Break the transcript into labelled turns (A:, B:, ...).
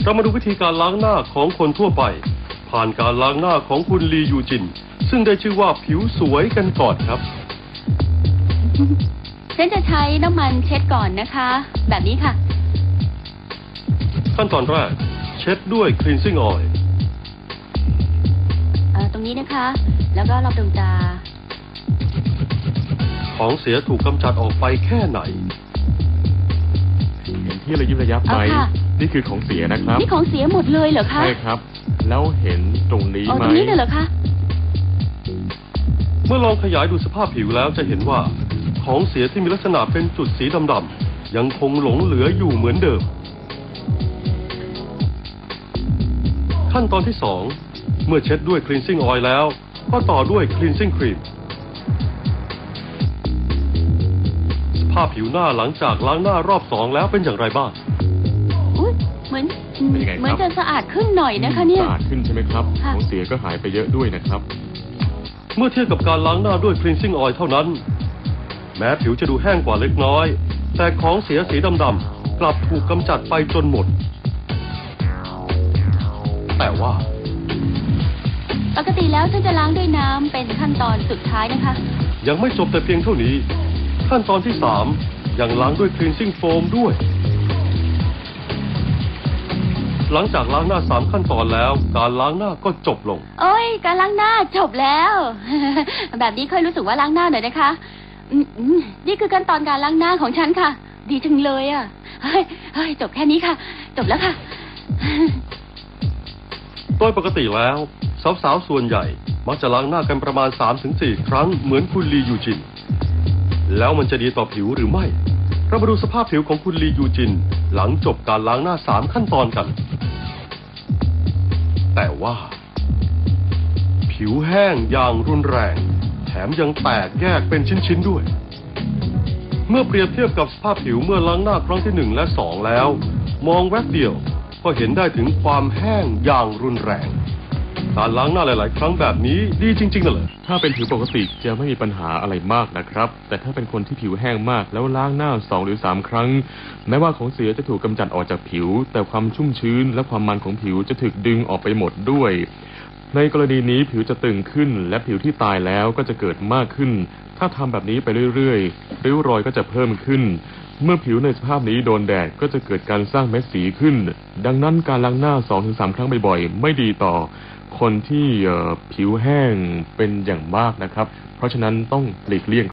A: เรามาดูวิธีการล้างหน้าของคนทั่วไปผ่านการล้างหน้าของคุณลียูจินซึ่งได้ชื่อว่าผิวสวยกันก่อนครับ
B: ฉันจะใช้น้ำมันเช็ดก่อนนะคะแบบนี้ค่ะ
A: ขั้นตอนแรกเช็ดด้วย cleansing oil
B: ตรงนี้นะคะแล้วก็รอบดวงตา
A: ของเสียถูกกำจัดออกไปแค่ไหน
C: เห็นที่ระยิบระยับไหมนี่คือของเสียนะครับ
B: นี่ของเสียหมดเลยเหรอคะ
C: ใช่ครับแล้วเห็นตรงนี้ไหม
B: ตรงนี้เลยเหรอคะ
A: เมื่อลองขยายดูสภาพผิวแล้วจะเห็นว่าของเสียที่มีลักษณะเป็นจุดสีดำๆยังคงหลงเหลืออยู่เหมือนเดิมขั้นตอนที่2เมื่อเช็ดด้วย cleansing oil แล้วก็ต่อด้วย cleansing cream สภาพผิวหน้าหลังจากล้างหน้ารอบ2แล้วเป็นอย่างไรบ้าง
B: เหมือนจะสะอาดขึ้นหน่อยนะคะเนี่ย
C: สะอาดขึ้นใช่ไหมครับของเสียก็หายไปเยอะด้วยนะครับ
A: เมื่อเทียบกับการล้างหน้าด้วย cleansing oil เท่านั้นแม้ผิวจะดูแห้งกว่าเล็กน้อยแต่ของเสียสีดำๆกลับถูกกำจัดไปจนหมดแต่ว่า
B: ปกติแล้วฉันจะล้างด้วยน้ำเป็นขั้นตอนสุดท้ายนะคะ
A: ยังไม่จบแต่เพียงเท่านี้ขั้นตอนที่3ยังล้างด้วย cleansing foam ด้วยหลังจากล้างหน้า3ขั้นตอนแล้วการล้างหน้าก็จบลง
B: โอ้ยการล้างหน้าจบแล้ว แบบนี้ค่อยรู้สึกว่าล้างหน้าหน่อยนะคะนี่คือขั้นตอนการล้างหน้าของฉันค่ะดีจังเลยอ่ะเฮ้ยจบแค่นี้ค่ะจบแล้วค่ะ
A: โดยปกติแล้วสาวๆส่วนใหญ่มักจะล้างหน้ากันประมาณ 3-4 ครั้งเหมือนคุณลียูจินแล้วมันจะดีต่อผิวหรือไม่เรามาดูสภาพผิวของคุณลียูจินหลังจบการล้างหน้า3ขั้นตอนกันแต่ว่าผิวแห้งอย่างรุนแรงแถมยังแตกแยกเป็นชิ้นๆด้วยเมื่อเปรียบเทียบกับสภาพผิวเมื่อล้างหน้าครั้งที่1และ2แล้วมองแวบเดียวก็เห็นได้ถึงความแห้งอย่างรุนแรงการล้างหน้าหลายๆครั้งแบบนี้ดีจริงๆนั่นแหละ
C: ถ้าเป็นผิวปกติจะไม่มีปัญหาอะไรมากนะครับแต่ถ้าเป็นคนที่ผิวแห้งมากแล้วล้างหน้า2 หรือ 3 ครั้งแม้ว่าของเสียจะถูกกำจัดออกจากผิวแต่ความชุ่มชื้นและความมันของผิวจะถูกดึงออกไปหมดด้วยในกรณีนี้ผิวจะตึงขึ้นและผิวที่ตายแล้วก็จะเกิดมากขึ้นถ้าทำแบบนี้ไปเรื่อยๆริ้วรอยก็จะเพิ่มขึ้นเมื่อผิวในสภาพนี้โดนแดดก็จะเกิดการสร้างเม็ดสีขึ้นดังนั้นการล้างหน้า 2-3 ครั้งบ่อยๆไม่ดีต่อคนที่ผิวแห้งเป็นอย่างมากนะครับเพราะฉะนั้นต้องหลีกเลี่ยง